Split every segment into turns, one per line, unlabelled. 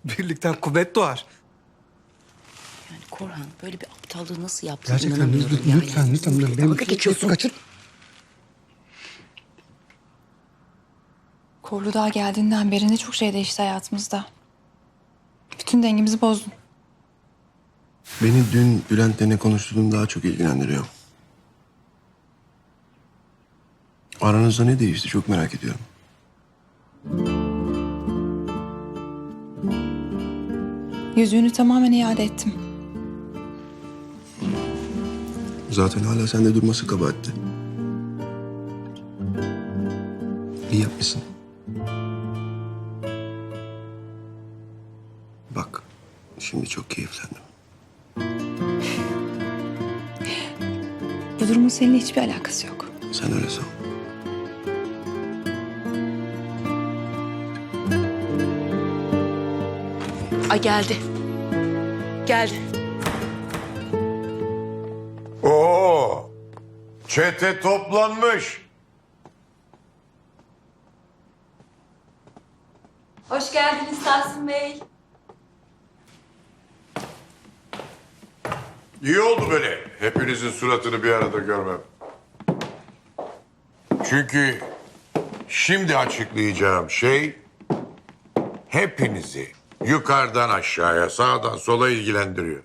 Birlikten kuvvet doğar.
Yani Korhan böyle bir aptallığı nasıl yaptın?
Gerçekten
İnanamıyorum ya.
lütfen. Benim
Dalga geçiyorsun.
kaçır.
Korlu Dağ geldiğinden beri ne çok şey değişti hayatımızda. Bütün dengemizi bozdun.
Beni dün Bülent'le ne konuştuğun daha çok ilgilendiriyor. Aranızda ne değişti çok merak ediyorum.
Yüzüğünü tamamen iade ettim.
Zaten hala sende durması kabahatti. İyi yapmışsın. Bak, şimdi çok keyiflendim.
Bu durumun seninle hiçbir alakası yok.
Sen öyle san.
Ay geldi. Geldi.
Oo, çete toplanmış.
Hoş geldiniz Tahsin Bey.
İyi oldu böyle hepinizin suratını bir arada görmem. Çünkü şimdi açıklayacağım şey hepinizi yukarıdan aşağıya, sağdan sola ilgilendiriyor.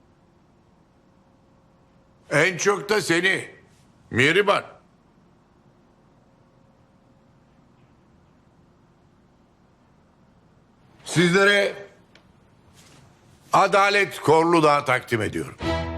En çok da seni, Mihriban. Sizlere Adalet Korlu Dağ takdim ediyorum.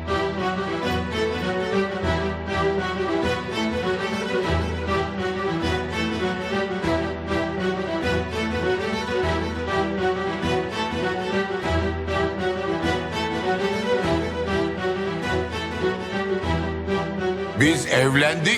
Biz evlendik.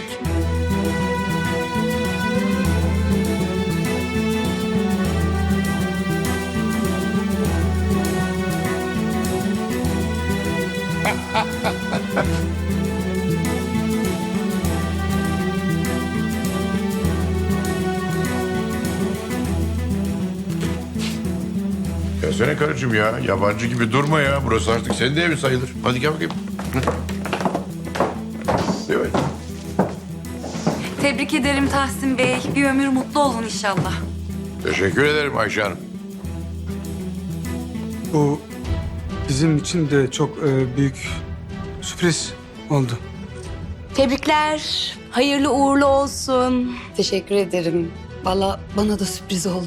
Gelsene karıcığım ya. Yabancı gibi durma ya. Burası artık senin de evin sayılır. Hadi gel bakayım. Evet.
Tebrik ederim Tahsin Bey. Bir ömür mutlu olun inşallah.
Teşekkür ederim Ayşe Hanım.
Bu bizim için de çok büyük sürpriz oldu.
Tebrikler. Hayırlı uğurlu olsun.
Teşekkür ederim. Vallahi bana da sürpriz oldu.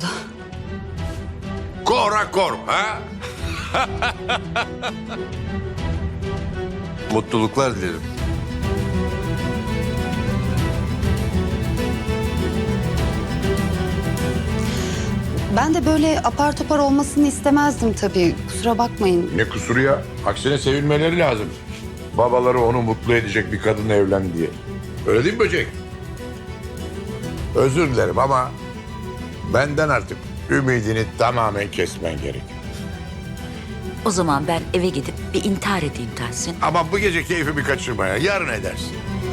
Kora korum ha?
Mutluluklar dilerim.
Ben de böyle apar topar olmasını istemezdim tabii. Kusura bakmayın.
Ne kusuru ya? Aksine sevinmeleri lazım. Babaları onu mutlu edecek bir kadınla evlendi diye. Öyle değil mi böcek? Özür dilerim ama benden artık ümidini tamamen kesmen gerek.
O zaman ben eve gidip bir intihar edeyim Tahsin.
Ama bu gece keyfimi kaçırma ya. Yarın edersin.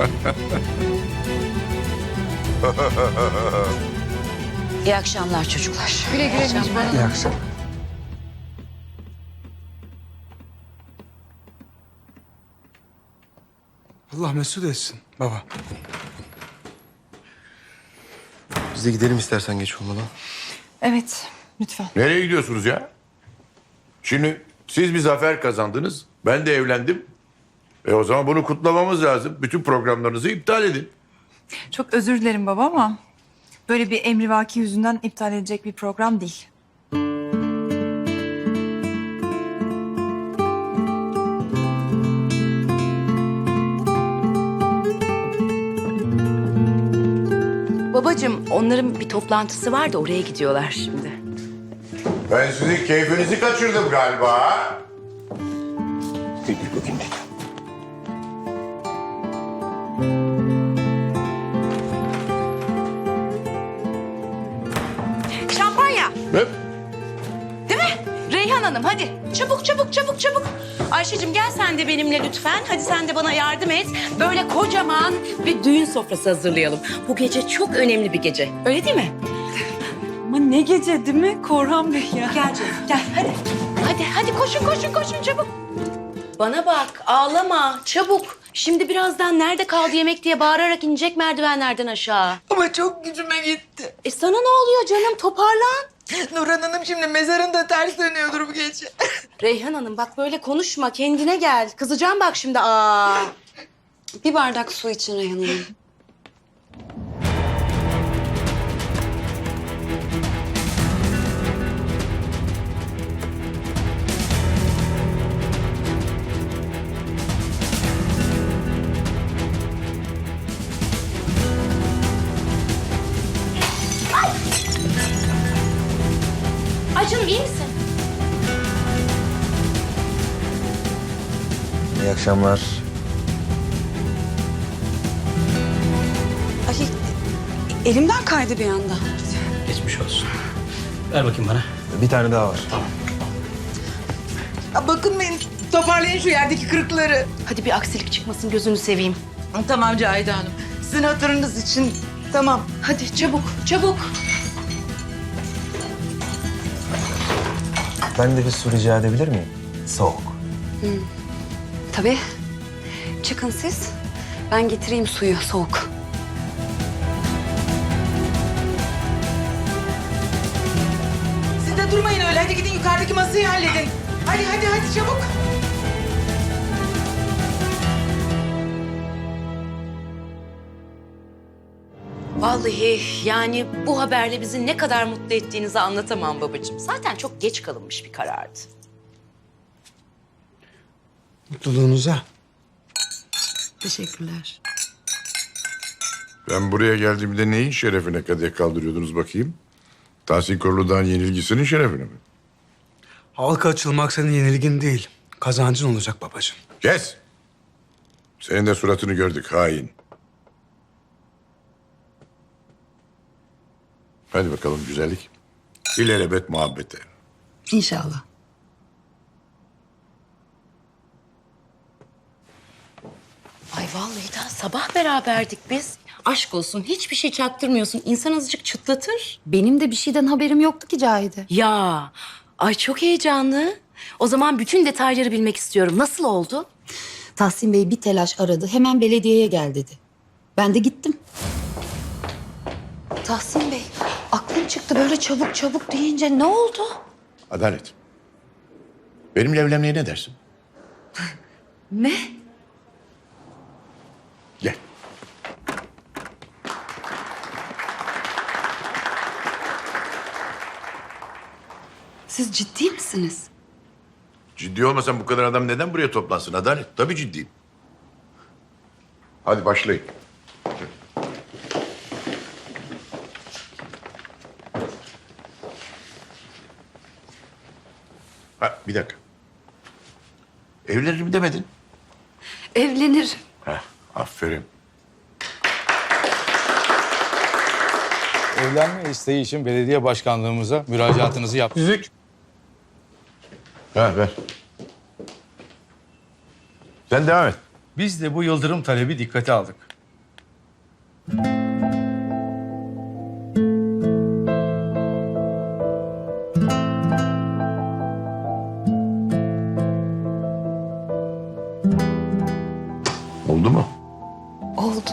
İyi akşamlar çocuklar.
Güle güle Mihriban Hanım.
İyi akşamlar. Allah mesut etsin baba.
Biz de gidelim istersen geç olmadan.
Evet, lütfen.
Nereye gidiyorsunuz ya? Şimdi siz bir zafer kazandınız. Ben de evlendim. O zaman bunu kutlamamız lazım. Bütün programlarınızı iptal edin.
Çok özür dilerim baba ama böyle bir emrivaki yüzünden iptal edecek bir program değil.
Babacığım onların bir toplantısı var da oraya gidiyorlar şimdi.
Ben sizin keyfinizi kaçırdım galiba.
Bir bakayım.
Şampanya.
Hep.
Değil mi? Reyhan Hanım hadi. Çabuk çabuk çabuk çabuk. Ayşe'cim gel sen de benimle lütfen. Hadi sen de bana yardım et. Böyle kocaman bir düğün sofrası hazırlayalım. Bu gece çok önemli bir gece. Öyle değil mi?
Ama ne gece değil mi Korhan Bey ya?
Gel canım gel hadi. Hadi koşun çabuk. Bana bak ağlama çabuk. Şimdi birazdan nerede kaldı yemek diye bağırarak inecek merdivenlerden aşağı.
Ama çok gücüme gitti.
Sana ne oluyor canım toparlan.
Nurhan Hanım şimdi mezarında ters dönüyordur bu gece.
Reyhan Hanım bak böyle konuşma kendine gel. Kızacağım bak şimdi aa.
Bir bardak su için Reyhan Hanım.
Ay canım iyi misin?
İyi akşamlar.
Ay, elimden kaydı bir anda.
Geçmiş olsun. Ver bakayım bana.
Bir tane daha var.
Ya bakın benim toparlayın şu yerdeki kırıkları.
Hadi bir aksilik çıkmasın gözünü seveyim.
Tamam Cahide Hanım. Sizin hatırınız için tamam.
Hadi çabuk.
Ben de bir su rica edebilir miyim? Soğuk.
Tabii. Çıkın siz. Ben getireyim suyu soğuk.
Siz de durmayın öyle. Hadi gidin yukarıdaki masayı halledin. Hadi çabuk.
Vallahi yani bu haberle bizi ne kadar mutlu ettiğinizi anlatamam babacığım. Zaten çok geç kalınmış bir karardı.
Mutluluğunuza.
Teşekkürler.
Ben buraya geldiğimde neyin şerefine kadeh kaldırıyordunuz bakayım? Tahsin Korulu'dan yenilgisinin şerefine mi?
Halka açılmak senin yenilgin değil. Kazancın olacak babacığım.
Kes! Senin de suratını gördük hain. Hadi bakalım güzellik. İlelebet muhabbete.
İnşallah.
Ay vallahi daha sabah beraberdik biz. Aşk olsun hiçbir şey çaktırmıyorsun. İnsan azıcık çıtlatır.
Benim de bir şeyden haberim yoktu ki Cahide.
Ya ay çok heyecanlı. O zaman bütün detayları bilmek istiyorum. Nasıl oldu?
Tahsin Bey bir telaş aradı. Hemen belediyeye gel dedi. Ben de gittim. Tahsin Bey, aklım çıktı böyle çabuk deyince ne oldu?
Adalet. Benimle evlenmeye ne dersin?
Ne?
Gel.
Siz ciddi misiniz?
Ciddi olmasan bu kadar adam neden buraya toplansın Adalet? Tabii ciddiyim. Hadi başlayın. Ha, bir dakika. Evlenirim demedin.
Evlenir.
Heh, aferin.
Evlenme isteği için belediye başkanlığımıza müracaatınızı yap.
Yüzük.
Ha, ver. Sen devam et.
Biz de bu yıldırım talebi dikkate aldık.
Oldu mu?
Oldu.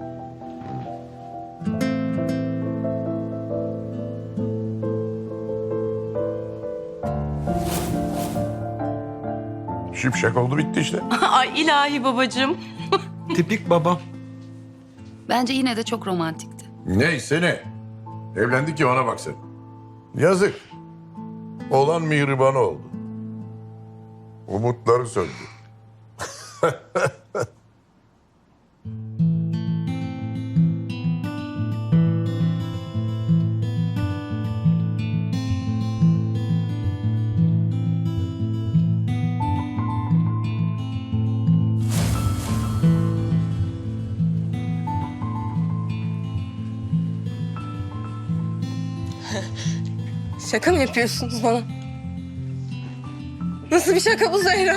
Şipşak oldu bitti işte.
Ay ilahi babacığım.
Tipik babam.
Bence yine de çok romantikti.
Neyse ne. Evlendik ya ona bak sen. Yazık. Olan mihriban oldu. Umutları söndü.
Şaka mı yapıyorsunuz bana? Nasıl bir şaka bu Zehra?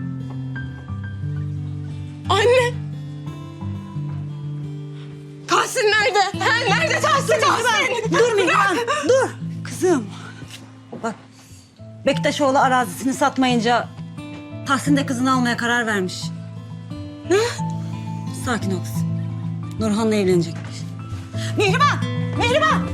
Anne! Tahsin nerede? Ha, nerede Tahsin? Tahsin!
Dur Mihran dur.
Bektaşoğlu arazisini satmayınca Tahsin de kızını almaya karar vermiş. Ne? Sakin ol kızım. Nurhan'la evlenecekmiş. Mihriban! Mihriban!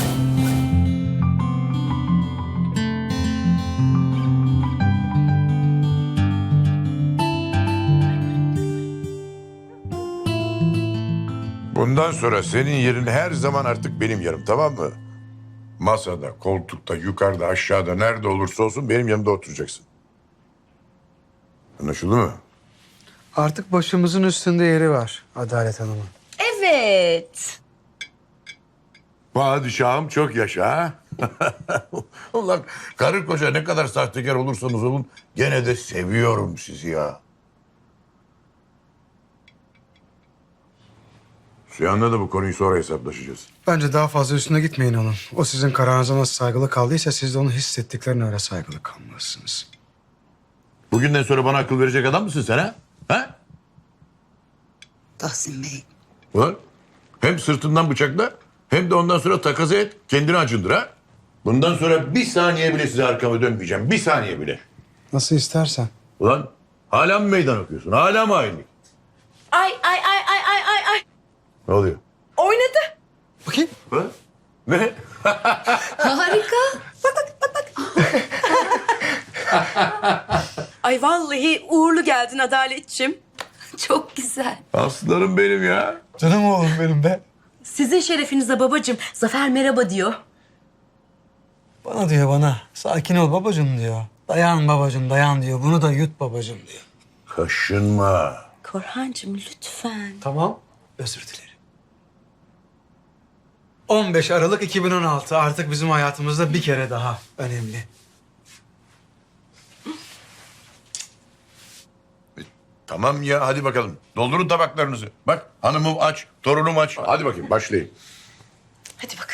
Bundan sonra senin yerin her zaman artık benim yerim, tamam mı? Masada, koltukta, yukarıda, aşağıda, nerede olursa olsun benim yanımda oturacaksın. Anlaşıldı mı?
Artık başımızın üstünde yeri var Adalet Hanım'ın.
Evet.
Padişahım çok yaşa ha. Ulan karı koca ne kadar sahtekar olursanız olun gene de seviyorum sizi ya. Süyan'la da bu konuyu sonra hesaplaşacağız.
Bence daha fazla üstüne gitmeyin onun. O sizin kararınıza nasıl saygılı kaldıysa siz de onun hissettiklerine öyle saygılı kalmalısınız.
Bugünden sonra bana akıl verecek adam mısın sen ha? Ha?
Tahsin Bey.
Ulan hem sırtından bıçakla hem de ondan sonra takas et kendini acındır ha. Bundan sonra bir saniye bile size arkamı dönmeyeceğim. Bir saniye bile.
Nasıl istersen.
Ulan hala mı meydan okuyorsun? Hala mı hainlik?
Ay.
Ne oluyor?
Oynadı.
Bakayım.
Ha? Ne?
Harika. Ay vallahi uğurlu geldin Adaletçim. Çok güzel.
Aslanım benim ya.
Canım oğlum benim be.
Sizin şerefinize babacığım. Zafer merhaba diyor.
Bana diyor bana. Sakin ol babacığım diyor. Dayan babacığım dayan diyor. Bunu da yut babacığım diyor.
Kaşınma.
Korhancığım lütfen.
Tamam. Özür dilerim. 15 Aralık 2016 artık bizim hayatımızda bir kere daha önemli.
Tamam ya hadi bakalım. Doldurun tabaklarınızı. Bak hanımım aç, torunum aç. Hadi bakayım başlayın.
Hadi bakalım.